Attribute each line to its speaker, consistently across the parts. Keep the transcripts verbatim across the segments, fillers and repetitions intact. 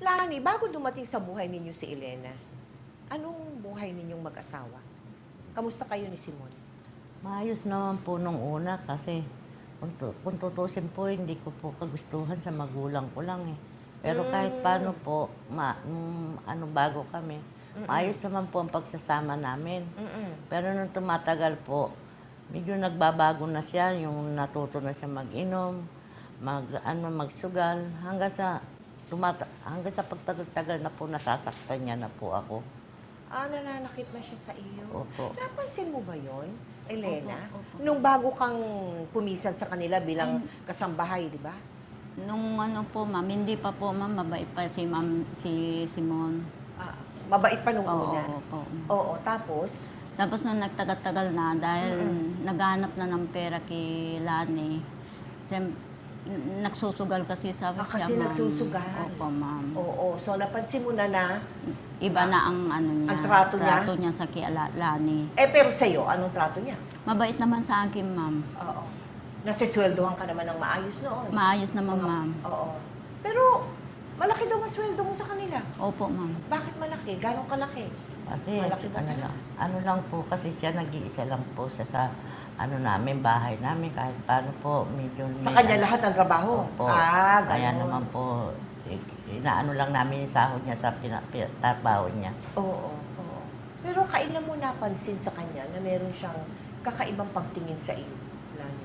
Speaker 1: Lani, bago dumating sa buhay ninyo si Elena, anong buhay ninyong mag-asawa? Kamusta kayo ni Simon?
Speaker 2: Maayos naman po nung una kasi kung, tu- kung tutusin po, hindi ko po kagustuhan sa magulang ko lang eh. Pero kahit
Speaker 1: Mm.
Speaker 2: paano po, ma, nung ano bago kami, maayos naman po ang pagsasama namin.
Speaker 1: Mm-mm.
Speaker 2: Pero nung tumatagal po, medyo nagbabago na siya, yung natuto na siya mag-inom, mag, ano, magsugal, hanggang sa, tumata, hanggang sa pagtagal-tagal na po nasasaktan niya na po ako.
Speaker 1: Ah, nananakit na siya sa iyo.
Speaker 2: Opo.
Speaker 1: Napansin mo ba yon, Elena?
Speaker 3: Opo, opo.
Speaker 1: Nung bago kang pumisan sa kanila bilang kasambahay, di ba?
Speaker 3: Nung ano po, ma'am, hindi pa po, ma'am, mabait pa si ma'am, si Simon.
Speaker 1: Ah, mabait pa nung
Speaker 3: Oo,
Speaker 1: una.
Speaker 3: oo, oo.
Speaker 1: Oo, tapos?
Speaker 3: Tapos nung nagtagal-tagal na, dahil naghanap na ng pera kay Lani, siyem- n- nagsusugal kasi sa
Speaker 1: Ah,
Speaker 3: siya,
Speaker 1: kasi
Speaker 3: ma'am.
Speaker 1: nagsusugal.
Speaker 3: Opo, ma'am.
Speaker 1: Oo, so napansin mo na na,
Speaker 3: Iba na ang ano niya,
Speaker 1: ang trato niya?
Speaker 3: trato niya sa kay La- Lani.
Speaker 1: eh pero sa'yo, anong trato niya?
Speaker 3: Mabait naman sa akin, ma'am.
Speaker 1: Oo. Nasisweldohan ka naman ng maayos noon.
Speaker 3: Maayos naman,
Speaker 1: Mga-
Speaker 3: ma'am.
Speaker 1: Oo. Pero, malaki daw ang sweldo mo sa kanila.
Speaker 3: Opo, ma'am.
Speaker 1: Bakit malaki? Ganong kalaki?
Speaker 2: Kasi
Speaker 1: Malaki ba
Speaker 2: ano
Speaker 1: talaga?
Speaker 2: lang, ano lang po kasi siya nag-iisa lang po siya sa ano namin, bahay namin kahit paano po medyo
Speaker 1: Sa
Speaker 2: may-
Speaker 1: kanya lahat ng trabaho?
Speaker 2: Opo.
Speaker 1: Ah,
Speaker 2: Kaya
Speaker 1: ganon.
Speaker 2: naman po eh, inaano lang namin yung sahod niya sa pina, pi- trabaho niya.
Speaker 1: Oo, oo. Pero kailan mo napansin sa kanya na meron siyang kakaibang pagtingin sa iyo, Lani?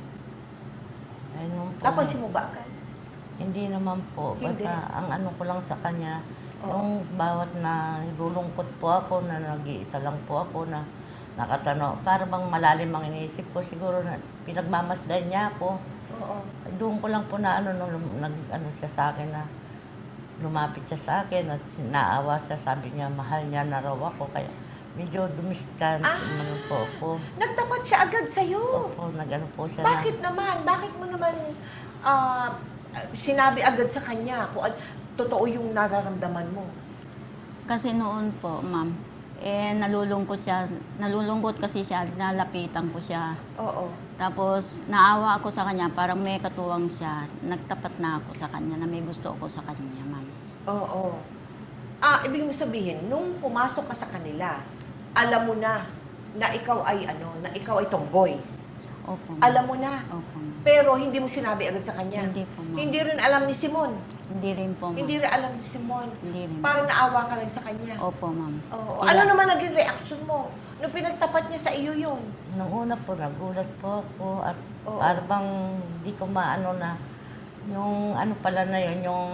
Speaker 2: Ayun po,
Speaker 1: Napansin mo ba agad?
Speaker 2: hindi naman po.
Speaker 1: Hindi.
Speaker 2: Basta ang ano ko lang sa kanya,
Speaker 1: Oo.
Speaker 2: yung bawat na nilulungkot po ako, na nag-iisa lang po ako, na nakatano, para bang malalim ang iniisip ko, siguro na pinagmamasdan niya ako.
Speaker 1: Oo.
Speaker 2: Doon ko lang po na ano, nung lum- nag, ano siya sa akin na lumapit siya sa akin at naawa siya, sabi niya mahal niya na raw ako, kaya medyo dumiskan
Speaker 1: Ah!
Speaker 2: ano po ako.
Speaker 1: Nagtapat siya agad sa'yo.
Speaker 2: Opo, nag-ano po siya
Speaker 1: Bakit naman? Bakit mo naman ah, sinabi agad sa kanya kung an- totoo yung nararamdaman mo?
Speaker 3: Kasi noon po, ma'am, eh nalulungkot siya, nalulungkot kasi siya, nalapitan ko siya.
Speaker 1: Oo.
Speaker 3: Tapos naawa ako sa kanya, parang may katuwang siya. Nagtapat na ako sa kanya na may gusto ako sa kanya, ma'am.
Speaker 1: Oo. Ah, ibig mo sabihin, nung pumasok ka sa kanila, alam mo na na ikaw ay ano, na ikaw ay tomboy.
Speaker 3: Opo, ma'am.
Speaker 1: Alam mo na.
Speaker 3: Opo, ma'am.
Speaker 1: Pero hindi mo sinabi agad sa kanya.
Speaker 3: Hindi po, ma'am.
Speaker 1: Hindi rin alam ni Simon.
Speaker 3: Hindi rin po, ma'am.
Speaker 1: Hindi rin alam ni Simon.
Speaker 3: Hindi rin.
Speaker 1: Parang naawa ka lang sa kanya.
Speaker 3: Opo, ma'am.
Speaker 1: Oo.
Speaker 3: Kaya-
Speaker 1: Ano naman naging reaction mo nung pinagtapat niya sa iyo yun?
Speaker 2: Nung una po, nagulat po ako at
Speaker 1: Oo.
Speaker 2: para bang di ko maano na yung ano pala na yun, yung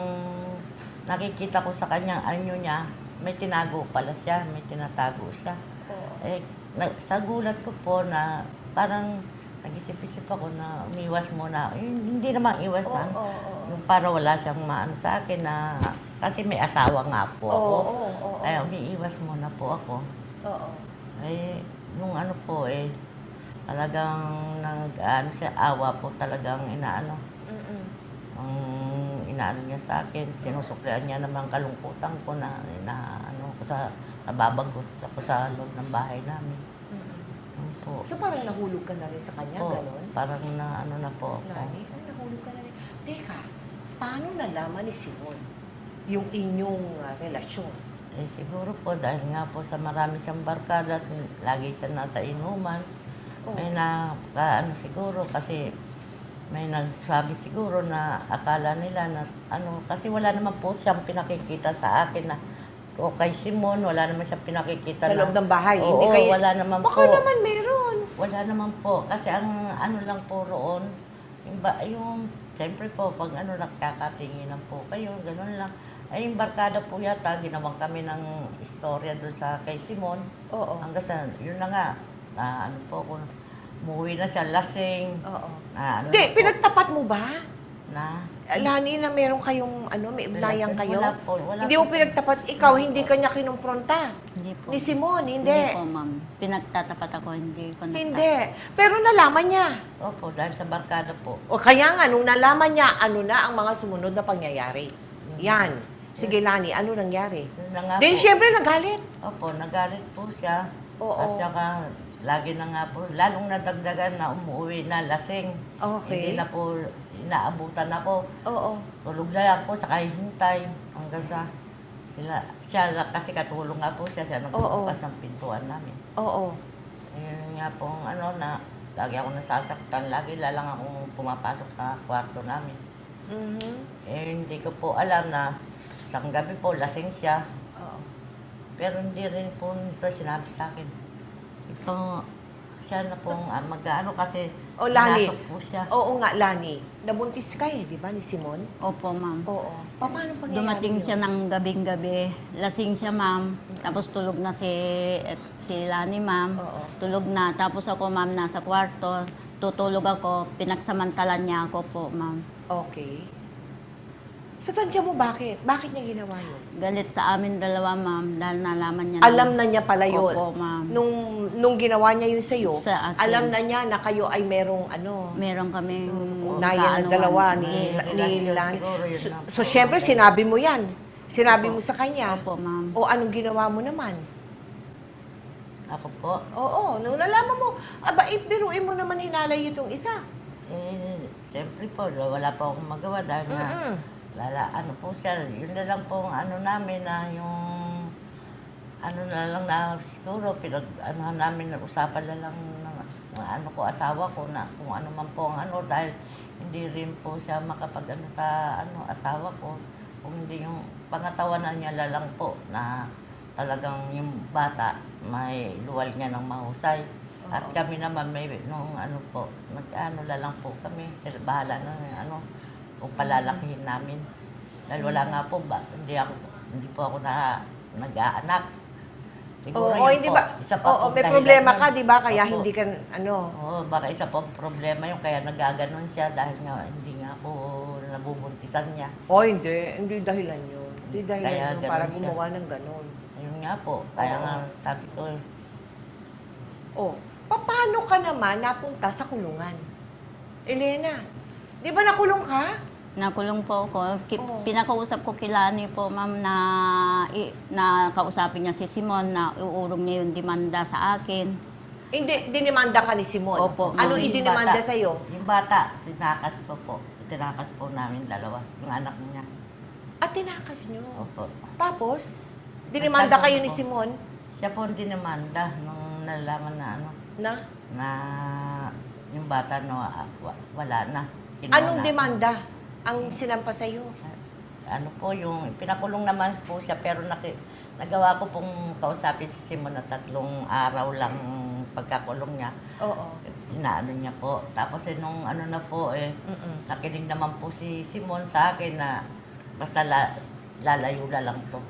Speaker 2: nakikita ko sa kanya, ano niya, may tinago pala siya, may tinatago siya.
Speaker 1: Oo.
Speaker 2: Eh, na, sa gulat ko po na parang nag-isip-isip ako na umiwas muna. Eh, hindi naman iwas
Speaker 1: Oo,
Speaker 2: na.
Speaker 1: oo, oo.
Speaker 2: Yung para wala siyang maano sa akin na kasi may asawa nga po
Speaker 1: Oo,
Speaker 2: ako.
Speaker 1: oo, oo.
Speaker 2: Ay, umiiwas muna po ako.
Speaker 1: Oo.
Speaker 2: Eh, nung ano po eh, talagang nag, ano siya, awa po talagang inaano.
Speaker 1: Mm-mm.
Speaker 2: Ang inaano niya sa akin, sinusuklian niya naman kalungkutan ko na, na ano ko sa, nababagot ako sa loob ng bahay namin.
Speaker 1: Mm-mm.
Speaker 2: Yun po.
Speaker 1: So parang nahulog ka na rin sa kanya,
Speaker 2: Po,
Speaker 1: ganon?
Speaker 2: parang na ano na po ako.
Speaker 1: Lani, ay nahulog ka na rin. Teka, paano nalaman ni Simon yung inyong ah, relasyon?
Speaker 2: Eh siguro po dahil nga po sa marami siyang barkada at lagi siya nasa inuman.
Speaker 1: Oo.
Speaker 2: May na ano siguro kasi may nagsabi siguro na akala nila na ano kasi wala naman po siyang pinakikita sa akin na o kay Simon wala naman siyang pinakikita
Speaker 1: Sa loob ng bahay,
Speaker 2: Oo,
Speaker 1: hindi kayo...
Speaker 2: wala naman
Speaker 1: Baka
Speaker 2: po.
Speaker 1: naman meron.
Speaker 2: Wala naman po kasi ang ano lang po roon yung, ba, yung siyempre po pag ano nagkakatinginan po kayo ganun lang. Ay, yung barkada po yata, ginawang kami ng istorya doon sa kay Simon.
Speaker 1: Oo.
Speaker 2: Hanggang sa, yun na nga, na ano po, kung umuwi na siya, lasing.
Speaker 1: Oo.
Speaker 2: Na, ano
Speaker 1: Hindi,
Speaker 2: na po,
Speaker 1: pinagtapat mo ba?
Speaker 2: na,
Speaker 1: Lani, na meron kayong, ano, may ugnayan kayo?
Speaker 2: Wala po, wala
Speaker 1: Hindi mo
Speaker 2: po.
Speaker 1: pinagtapat, ikaw, hindi ka niya kinumpronta.
Speaker 3: Hindi po.
Speaker 1: Ni Simon,
Speaker 3: Hindi
Speaker 1: hindi.
Speaker 3: po, ma'am. Pinagtatapat ako, hindi ko nagtat-
Speaker 1: Hindi. Pero nalaman niya.
Speaker 2: Opo, dahil sa barkada po.
Speaker 1: O kaya nga, nung nalaman niya, ano na ang mga sumunod na pangyayari. Yan. Sige, Lani, ano nangyari?
Speaker 2: Yun na nga
Speaker 1: Then,
Speaker 2: po.
Speaker 1: syempre, nagalit.
Speaker 2: Opo, nagalit po siya.
Speaker 1: Oo.
Speaker 2: At saka, lagi na nga po, lalong nadagdagan na umuwi na lasing.
Speaker 1: Okay.
Speaker 2: Hindi na po, inaabutan ako.
Speaker 1: Oo.
Speaker 2: Tulog na lang po, saka hintay. Hanggang sa, Sila, siya lang- kasi katulong nga po siya, siya nagbubukas ng pintuan namin.
Speaker 1: Oo.
Speaker 2: Ayun nga pong ano na, lagi ako nasasaktan, lagi lalang akong pumapasok sa kwarto namin.
Speaker 1: Mhm.
Speaker 2: Eh, hindi ko po alam na isang gabi po, lasing siya.
Speaker 1: Oo.
Speaker 2: Pero hindi rin po nito sinabi sa akin. Ito, siya na pong ah, mag-ano kasi
Speaker 1: O, Lani.
Speaker 2: pinasok po siya.
Speaker 1: Oo nga, Lani. Nabuntis ka eh, di ba, ni Simon?
Speaker 3: Opo, ma'am.
Speaker 1: Oo. Pa- Paano pangyayari
Speaker 3: Dumating
Speaker 1: yun?
Speaker 3: siya ng gabing-gabi. Lasing siya, ma'am. Tapos tulog na si, et, si Lani, ma'am.
Speaker 1: Oo.
Speaker 3: Tulog na. Tapos ako, ma'am, nasa kwarto. Tutulog ako. Pinagsamantalan niya ako po, ma'am.
Speaker 1: Okay. Sa tansya mo, bakit? Bakit niya ginawa yun?
Speaker 3: Galit sa amin dalawa, ma'am. Dahil nalaman niya
Speaker 1: Alam na niya pala yun.
Speaker 3: Opo, ma'am.
Speaker 1: Nung, nung ginawa niya yun sa'yo,
Speaker 3: Sa akin.
Speaker 1: alam na niya na kayo ay merong ano,
Speaker 3: Meron kaming
Speaker 1: naya na
Speaker 3: kaanuhan.
Speaker 1: dalawa ni,
Speaker 3: Eh,
Speaker 1: ni
Speaker 2: relasyon
Speaker 1: Lani.
Speaker 2: siguro yun
Speaker 1: So,
Speaker 2: na
Speaker 1: so
Speaker 2: po.
Speaker 1: syempre, sinabi mo yan. Sinabi mo sa kanya.
Speaker 3: Opo, ma'am.
Speaker 1: O anong ginawa mo naman?
Speaker 2: Ako po,
Speaker 1: Oo, nung nalaman mo, aba, eh, biruin mo naman hinalay itong isa.
Speaker 2: eh, siyempre po, wala pa akong magawa dahil nga,
Speaker 1: Mm-mm.
Speaker 2: lala, ano po siya, yun na lang po ang ano namin na yung, ano na lang na siguro, pinag, ano namin, usapan na lang ng, ng ano ko, asawa ko na kung ano man po ang ano, dahil hindi rin po siya makapag ano sa ano, asawa ko, kung hindi yung pangatawanan niya na lang po na talagang yung bata may luwal niya ng mahusay. At
Speaker 1: Oo.
Speaker 2: kami naman may nung ano po, nag-ano na lang po kami, sila bahala na yung ano, kung palalakihin namin. Dahil wala nga po ba, hindi ako hindi po ako na nag-aanak. Siguro
Speaker 1: Oo,
Speaker 2: yun
Speaker 1: hindi
Speaker 2: po,
Speaker 1: ba?
Speaker 2: isa pa
Speaker 1: Oo,
Speaker 2: pong
Speaker 1: may
Speaker 2: dahilan
Speaker 1: problema
Speaker 2: yun.
Speaker 1: ka, di ba? Kaya
Speaker 2: Opo.
Speaker 1: hindi ka, ano,
Speaker 2: Oo, baka isa pong problema yung kaya nagaganon siya dahil nga hindi nga po nabubuntisan niya.
Speaker 1: o hindi, hindi dahilan yun. Hindi dahilan
Speaker 2: Kaya
Speaker 1: yun
Speaker 2: ganun
Speaker 1: para
Speaker 2: siya.
Speaker 1: gumawa ng ganun.
Speaker 2: Ayun nga po, kaya
Speaker 1: Oo.
Speaker 2: nga sabi ko, eh,
Speaker 1: O, paano ka naman napunta sa kulungan? Elena, di ba nakulong ka?
Speaker 3: Nakulong po ako. Ki-
Speaker 1: Oo.
Speaker 3: Pinakausap ko kay Lani po, ma'am, na, i- na kausapin niya si Simon na uurong niya yung demanda sa akin.
Speaker 1: Hindi, dinimanda ka ni Simon.
Speaker 3: Opo,
Speaker 1: Ano
Speaker 3: ma'am.
Speaker 1: idinimanda
Speaker 2: Yung bata.
Speaker 1: sa'yo?
Speaker 2: yung bata, tinakas po po. Tinakas po namin dalawa, yung anak niya.
Speaker 1: At tinakas nyo.
Speaker 2: Opo.
Speaker 1: Tapos, dinimanda
Speaker 2: Nagtanong
Speaker 1: kayo ni
Speaker 2: po.
Speaker 1: Simon
Speaker 2: Siya po ang dinamanda nung nalaman na ano,
Speaker 1: na
Speaker 2: na yung bata no, ah, wa- wala na. Kinuha
Speaker 1: anong
Speaker 2: na.
Speaker 1: demanda ang sinampa sa'yo?
Speaker 2: Ano po, yung pinakulong naman po siya, pero naki, nagawa ko pong kausapin si Simon na tatlong araw lang pagkakulong niya.
Speaker 1: Oo.
Speaker 2: Inaano niya po. Tapos eh, nung ano na po, eh,
Speaker 1: Mm-mm.
Speaker 2: nakinig naman po si Simon sa akin na basta la, lalayo na lang to.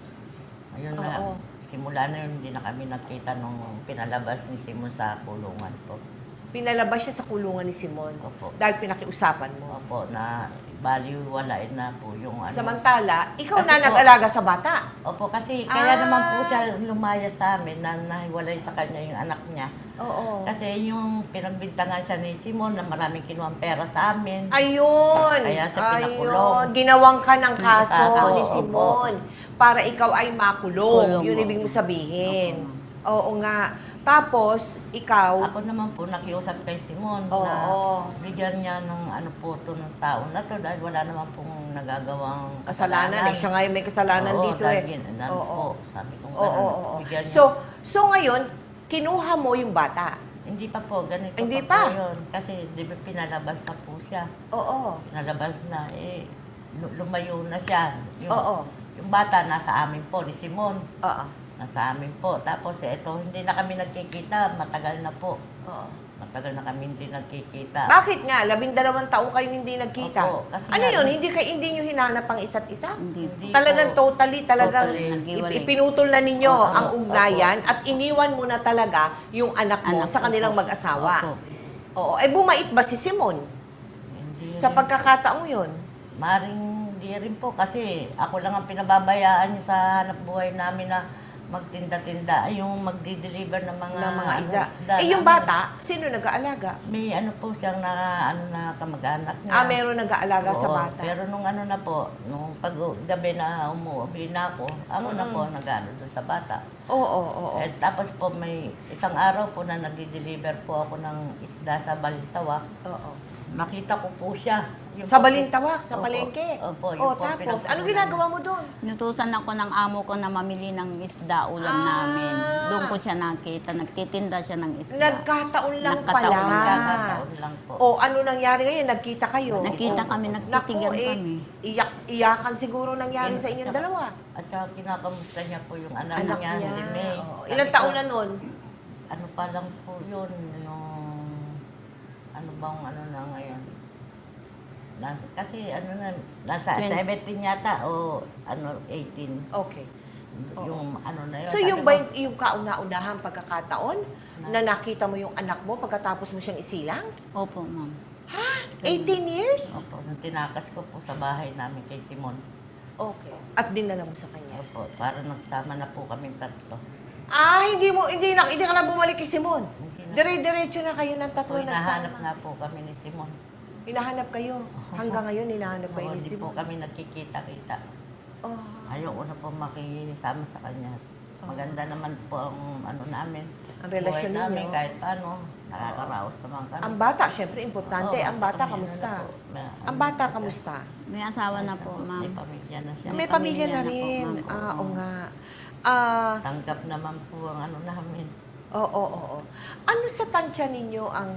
Speaker 2: Ayun na,
Speaker 1: Oo.
Speaker 2: simula na yun, hindi na kami nakita nung pinalabas ni Simon sa kulungan po.
Speaker 1: Pinalabas siya sa kulungan ni Simon
Speaker 2: Opo.
Speaker 1: dahil pinakiusapan mo.
Speaker 2: Opo, na baliwalain na po yung ano.
Speaker 1: Samantala, ikaw
Speaker 2: Kasi
Speaker 1: na
Speaker 2: po-
Speaker 1: nag-alaga sa bata.
Speaker 2: Opo, kasi kaya
Speaker 1: Ah.
Speaker 2: naman po siya lumaya sa amin na nahiwalay sa kanya yung anak niya.
Speaker 1: Oo.
Speaker 2: Kasi yung pinagbintangan siya ni Simon na maraming kinuhang pera sa amin.
Speaker 1: Ayun.
Speaker 2: Kaya siya
Speaker 1: Ayun.
Speaker 2: pinakulong.
Speaker 1: Ginawang ka ng kaso
Speaker 2: Kaso,
Speaker 1: ni
Speaker 2: opo.
Speaker 1: Simon para ikaw ay makulong.
Speaker 3: Kulong,
Speaker 1: Yun
Speaker 3: opo.
Speaker 1: ibig mo sabihin.
Speaker 2: Opo,
Speaker 1: Oo nga. Tapos, ikaw,
Speaker 2: Ako naman po nakiusap kay Simon
Speaker 1: Oo.
Speaker 2: na bigyan niya ng ano po to ng tao na to dahil wala naman pong nagagawang
Speaker 1: kasalanan. Eh, siya ngayon may kasalanan
Speaker 2: Oo,
Speaker 1: dito
Speaker 2: dahil
Speaker 1: eh.
Speaker 2: gin- ano
Speaker 1: Oo.
Speaker 2: po, sabi ko
Speaker 1: Oo,
Speaker 2: ganun,
Speaker 1: oo, oo.
Speaker 2: bigyan niya.
Speaker 1: So, so ngayon, kinuha mo yung bata.
Speaker 2: Hindi pa po, ganito
Speaker 1: Hindi
Speaker 2: pa,
Speaker 1: pa?
Speaker 2: po yun. Kasi di ba pinalabas na po siya.
Speaker 1: Oo.
Speaker 2: Pinalabas na, eh, lu- lumayo na siya. Yung,
Speaker 1: Oo.
Speaker 2: yung bata nasa amin po, ni Simon.
Speaker 1: Oo.
Speaker 2: Nasa amin po. Tapos eh, ito, hindi na kami nagkikita. Matagal na po.
Speaker 1: Oo.
Speaker 2: Matagal na kami hindi nagkikita.
Speaker 1: Bakit nga? Labing dalawang taong kayong hindi nagkita.
Speaker 2: Opo, kasi
Speaker 1: Ano
Speaker 2: nga-
Speaker 1: yun? Hindi kayo hindi nyo hinanap ang isa't isa?
Speaker 3: Hindi.
Speaker 2: Hindi
Speaker 1: Talagang
Speaker 2: po.
Speaker 1: totally, talagang
Speaker 2: Totally.
Speaker 3: Naghiwalay.
Speaker 1: ip- ipinutol na ninyo
Speaker 2: Opo.
Speaker 1: ang ugnayan at iniwan mo na talaga yung anak mo
Speaker 3: Anak
Speaker 1: sa
Speaker 3: ko
Speaker 1: kanilang
Speaker 3: po.
Speaker 1: mag-asawa.
Speaker 3: Opo.
Speaker 1: Oo. Eh, bumait ba si Simon
Speaker 2: Hindi
Speaker 1: sa
Speaker 2: rin.
Speaker 1: pagkakataong yun?
Speaker 2: Maring di rin po kasi ako lang ang pinababayaan niya sa hanap buhay namin na magtinda-tinda, ay yung magdi-deliver ng mga,
Speaker 1: ng mga
Speaker 2: ano,
Speaker 1: isda.
Speaker 2: isda
Speaker 1: Eh, yung
Speaker 2: namin.
Speaker 1: bata, sino nag-aalaga?
Speaker 2: May ano po siyang na, ano na kamag-anak niya.
Speaker 1: Ah, meron nag-aalaga sa
Speaker 2: Oo,
Speaker 1: bata.
Speaker 2: Pero nung ano na po, nung pag gabi na umuwi na ako, ako na
Speaker 1: Mm-mm.
Speaker 2: po nag-ano doon sa bata.
Speaker 1: Oo, oo, oo.
Speaker 2: Eh, tapos po may isang araw po na nagdi-deliver po ako ng isda sa Balintawak.
Speaker 1: Oo.
Speaker 2: nakita ko po siya. Yung
Speaker 1: Sa
Speaker 2: po-
Speaker 1: Balintawak, sa
Speaker 2: Opo.
Speaker 1: palengke.
Speaker 2: Opo, yun
Speaker 1: O,
Speaker 2: po
Speaker 1: tapos,
Speaker 2: pinagkukunan
Speaker 1: ano ginagawa mo doon?
Speaker 3: Inutusan ako ng amo ko na mamili ng isda ulam
Speaker 1: Ah.
Speaker 3: namin. Doon ko siya nakita, nagtitinda siya ng isda.
Speaker 1: Nagkataon lang
Speaker 3: Nagkataon
Speaker 1: pala.
Speaker 3: lang.
Speaker 2: Nagkakataon lang po.
Speaker 1: O, ano nangyari ngayon? Nagkita kayo?
Speaker 3: Nagkita
Speaker 1: O,
Speaker 3: kami, nagtitigan
Speaker 1: naku, eh,
Speaker 3: kami.
Speaker 1: Iyak, iyakan siguro nangyari
Speaker 2: Yun,
Speaker 1: sa inyong
Speaker 2: tsaka-
Speaker 1: dalawa.
Speaker 2: At saka kinakamusta niya po yung anak,
Speaker 1: Anak
Speaker 2: niya,
Speaker 1: niya.
Speaker 2: si May.
Speaker 1: Oo.
Speaker 2: Sabi
Speaker 1: Ilang
Speaker 2: ko,
Speaker 1: taon na nun?
Speaker 2: Ano pa lang po yun, yung ano bang ano na ngayon. Nas, kasi ano na, nasa
Speaker 3: Twen-
Speaker 2: seventeen yata o ano, eighteen.
Speaker 1: Okay.
Speaker 2: Yung ano na yun.
Speaker 1: So,
Speaker 2: sabi
Speaker 1: yung
Speaker 2: ko,
Speaker 1: ba yung, yung kauna-unahang pagkakataon na nakita mo yung anak mo pagkatapos mo siyang isilang?
Speaker 3: Opo, ma'am.
Speaker 1: eighteen years?
Speaker 2: Opo, nung tinakas ko po sa bahay namin kay Simon.
Speaker 1: Okay. At dinala mo sa kanya?
Speaker 2: Opo, para nagsama na po kami tatlo.
Speaker 1: Ah, hindi mo, hindi na, hindi ka na bumalik kay Simon.
Speaker 2: Hindi na.
Speaker 1: Dire-diretso na kayo ng
Speaker 2: Po,
Speaker 1: tatlo
Speaker 2: hinahanap
Speaker 1: nagsama.
Speaker 2: na po kami ni Simon.
Speaker 1: Hinahanap kayo. Hanggang ngayon, hinahanap kayo
Speaker 2: Oo,
Speaker 1: ni
Speaker 2: hindi po
Speaker 1: Simon.
Speaker 2: kami nagkikita-kita.
Speaker 1: Oh.
Speaker 2: Ayoko na po makisama sa kanya. Maganda naman po ang ano namin.
Speaker 1: Ang relasyon
Speaker 2: buhay namin
Speaker 1: ninyo.
Speaker 2: kahit paano. Nakakaraos naman kami.
Speaker 1: Ang bata, syempre, importante.
Speaker 2: Oo,
Speaker 1: ang bata,
Speaker 2: kami
Speaker 1: kamusta?
Speaker 2: na po. May-
Speaker 1: Ang bata, kamusta?
Speaker 3: May asawa na po,
Speaker 2: May
Speaker 3: ma'am.
Speaker 2: pamilya na siya.
Speaker 1: May
Speaker 3: May
Speaker 1: pamilya
Speaker 3: pamilya
Speaker 1: na
Speaker 3: na po,
Speaker 1: rin.
Speaker 3: ma'am.
Speaker 1: Ah, oo
Speaker 3: Oo.
Speaker 1: nga. Ah,
Speaker 2: Tanggap naman po ang ano namin.
Speaker 1: oo, oo, oo. Ano sa tansya ninyo ang...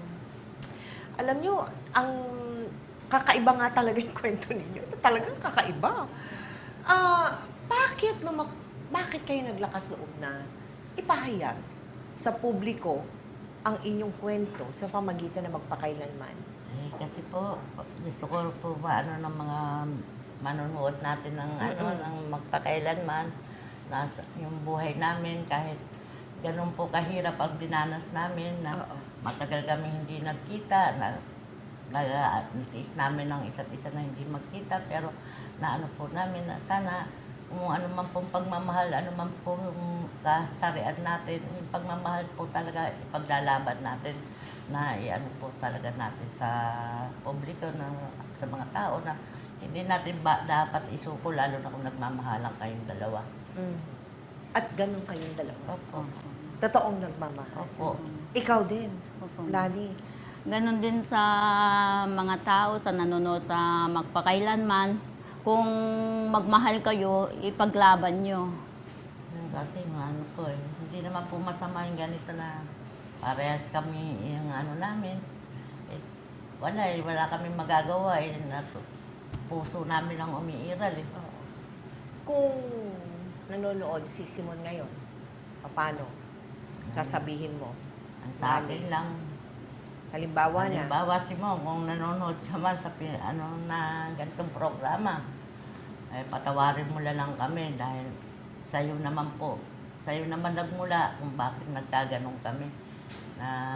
Speaker 1: Alam nyo, ang kakaiba nga talaga yung kwento ninyo. Talagang kakaiba. Ah, bakit lumak... Bakit kayo naglakas loob na ipahayag sa publiko ang inyong kwento sa pamagitan ng magpakailanman?
Speaker 2: Eh, kasi po, gusto ko po ba ano ng mga manonood natin ng ano
Speaker 1: Mm-mm.
Speaker 2: ng magpakailanman nasa yung buhay namin kahit ganun po kahirap ang dinanas namin na
Speaker 1: Oo.
Speaker 2: matagal kami hindi nagkita na nag-tiis namin ng isa't isa na hindi magkita pero na ano po namin na sana kung ano man pong pagmamahal, ano man pong kasarian natin, yung pagmamahal po talaga ipaglalaban natin na iano po talaga natin sa publiko, na, sa mga tao na hindi natin ba dapat isuko lalo na kung nagmamahalan kayong dalawa.
Speaker 1: Mm. At ganun kayong dalawa.
Speaker 2: Opo.
Speaker 1: Totoong nagmamahal.
Speaker 2: Opo.
Speaker 1: Ikaw din,
Speaker 3: Opo.
Speaker 1: Lani.
Speaker 3: Ganon din sa mga tao, sa nanonood sa magpakailanman. Kung magmahal kayo, ipaglaban nyo.
Speaker 2: Yung Kasi yung ano ko eh, hindi naman po masama yung ganito na parehas kami yung ano namin. Eh, wala eh, wala kami magagawa eh. Na, puso namin lang umiiral eh.
Speaker 1: Oo. Kung nanonood si Simon ngayon, paano? Sasabihin mo.
Speaker 2: Ang sa akin lang,
Speaker 1: Halimbawa na.
Speaker 2: halimbawa si Mo, kung nanonood ka man sa pi- ano na ganitong programa, eh, patawarin mo na lang kami dahil sa'yo naman po. Sa'yo naman nagmula kung bakit nagkaganon kami na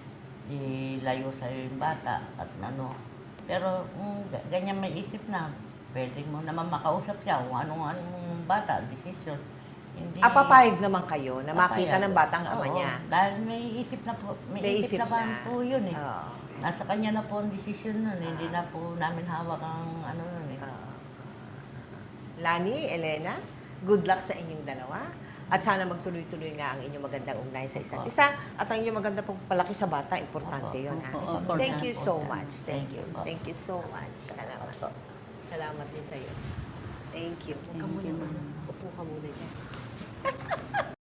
Speaker 2: ilayo sa'yo yung bata at ano. Pero kung ga- ganyan may isip na, pwede mo naman makausap siya kung anong anong bata, decision. Hindi,
Speaker 1: Ah, papayag naman kayo na makita
Speaker 2: papayag.
Speaker 1: ng batang ama
Speaker 2: Oo,
Speaker 1: niya.
Speaker 2: Dahil may isip na po, may,
Speaker 1: May
Speaker 2: isip,
Speaker 1: isip
Speaker 2: na,
Speaker 1: na.
Speaker 2: po yun eh.
Speaker 1: Oo.
Speaker 2: Nasa kanya na po ang desisyon nun, hindi na po namin hawak ang ano nun eh.
Speaker 1: Oo. Lani, Elena, good luck sa inyong dalawa. At sana magtuloy-tuloy nga ang inyong magandang ugnayan sa isa't
Speaker 2: Opo.
Speaker 1: isa. At ang inyong magandang pagpalaki sa bata, importante
Speaker 2: Opo.
Speaker 1: yun. Ha?
Speaker 3: Opo, opo.
Speaker 1: Thank you so
Speaker 2: Opo.
Speaker 1: much. Thank
Speaker 2: Thank
Speaker 1: you.
Speaker 2: you po.
Speaker 1: Thank you so much. Salamat.
Speaker 2: Opo.
Speaker 1: Salamat din sa'yo. Thank you. Huwag ka
Speaker 3: Thank
Speaker 1: muna,
Speaker 3: you,
Speaker 1: ma'am.
Speaker 3: ma'am.
Speaker 1: Upo ka muna dyan.